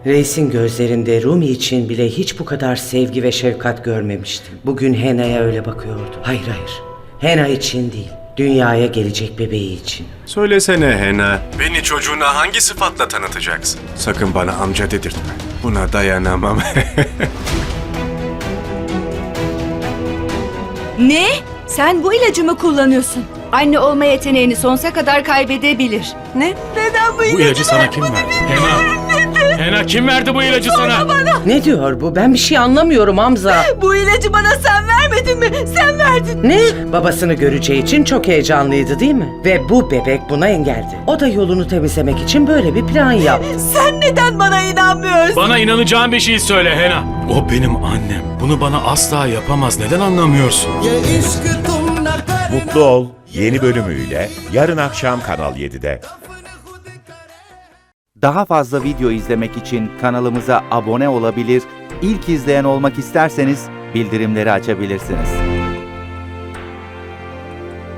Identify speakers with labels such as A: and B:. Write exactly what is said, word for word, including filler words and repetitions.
A: Reisin gözlerinde Rumi için bile hiç bu kadar sevgi ve şefkat görmemiştim. Bugün Hena'ya öyle bakıyordu. Hayır hayır, Hena için değil, dünyaya gelecek bebeği için.
B: Söylesene Hena, beni çocuğuna hangi sıfatla tanıtacaksın? Sakın bana amca dedirtme. Buna dayanamam.
C: Ne? Sen bu ilacı mı kullanıyorsun? Anne olma yeteneğini sonsuza kadar kaybedebilir.
D: Ne? Neden bu
E: Bu
D: ilacı
E: ilacı sana kim verdi? Hena. Hena kim verdi bu ilacı sana?
A: Ne diyor bu? Ben bir şey anlamıyorum Hamza.
D: Bu ilacı bana sen vermedin mi? Sen verdin.
A: Ne? Babasını göreceği için çok heyecanlıydı değil mi? Ve bu bebek buna engeldi. O da yolunu temizlemek için böyle bir plan yaptı.
D: Sen neden bana inanmıyorsun?
E: Bana inanacağın bir şey söyle Hena. O benim annem. Bunu bana asla yapamaz. Neden anlamıyorsun?
F: Mutlu Ol yeni bölümüyle yarın akşam Kanal yedide.
G: Daha fazla video izlemek için kanalımıza abone olabilir, ilk izleyen olmak isterseniz bildirimleri açabilirsiniz.